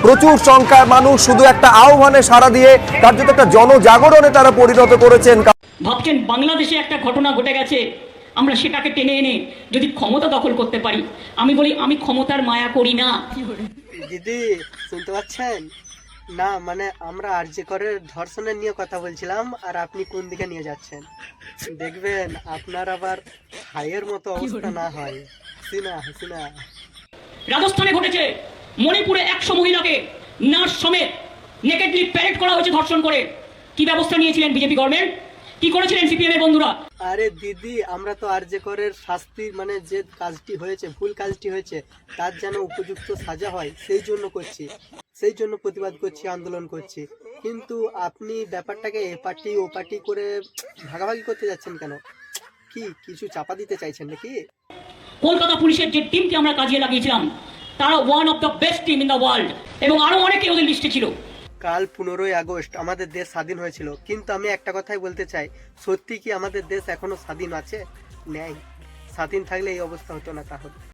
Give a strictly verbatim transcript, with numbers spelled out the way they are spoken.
প্রচুর সংখ্যায় মানুষ শুধু একটা আহ্বানে সাড়া দিয়ে কার্যত একটা জনজাগরণে তারা পরিণত করেছেন। ভাবছেন বাংলাদেশে একটা ঘটনা ঘটে গেছে, আমরা সেটাকে টেনে এনে যদি ক্ষমতা দখল করতে পারি। আমি বলি আমি ক্ষমতার মায়া করি না। দিদি শুনতে পাচ্ছেন না? মানে আমরা আরজি করের ধর্ষণের নিয়ে কথা বলছিলাম, আর আপনি কোন দিকে নিয়ে যাচ্ছেন দেখবেন আপনার আবার ভাইয়ের মতো অবস্থা না হয়। হাসিনা হাসিনা রাজস্থানে ঘটেছে, মণিপুরে একশো মহিলাকে নার্স সমেত নেকেডলি প্যারেড করা হয়েছে ধর্ষণ করে। কি ব্যবস্থা নিয়েছিলেন বিজেপি গভর্নমেন্ট? কি করেছিলেন সিপিএম এর বন্ধুরা? আরে দিদি, আমরা তো আরজি করের শাস্তি, মানে যে কাজটি হয়েছে, ভুল কাজটি হয়েছে, তার যেন উপযুক্ত সাজা হয় সেই জন্য করছি, সেই জন্য প্রতিবাদ করছি, আন্দোলন করছি। কিন্তু আপনি ব্যাপারটাকে এ পার্টি ও পার্টি করে ভাগাভাগি করতে যাচ্ছেন কেন? কি কিছু চাপা দিতে চাইছেন নাকি? কলকাতা পুলিশের যে টিমকে আমরা কাজে লাগিয়েছিলাম, তারা one of the best team in the world, এবং আরো অনেকে ওদের লিস্টে ছিল। কাল পনেরোই আগস্ট আমাদের দেশ স্বাধীন হয়েছিল, কিন্তু আমি একটা কথাই বলতে চাই, সত্যি কি আমাদের দেশ এখনো স্বাধীন আছে? নেই। স্বাধীন থাকলে এই অবস্থা হতো না তাহলে।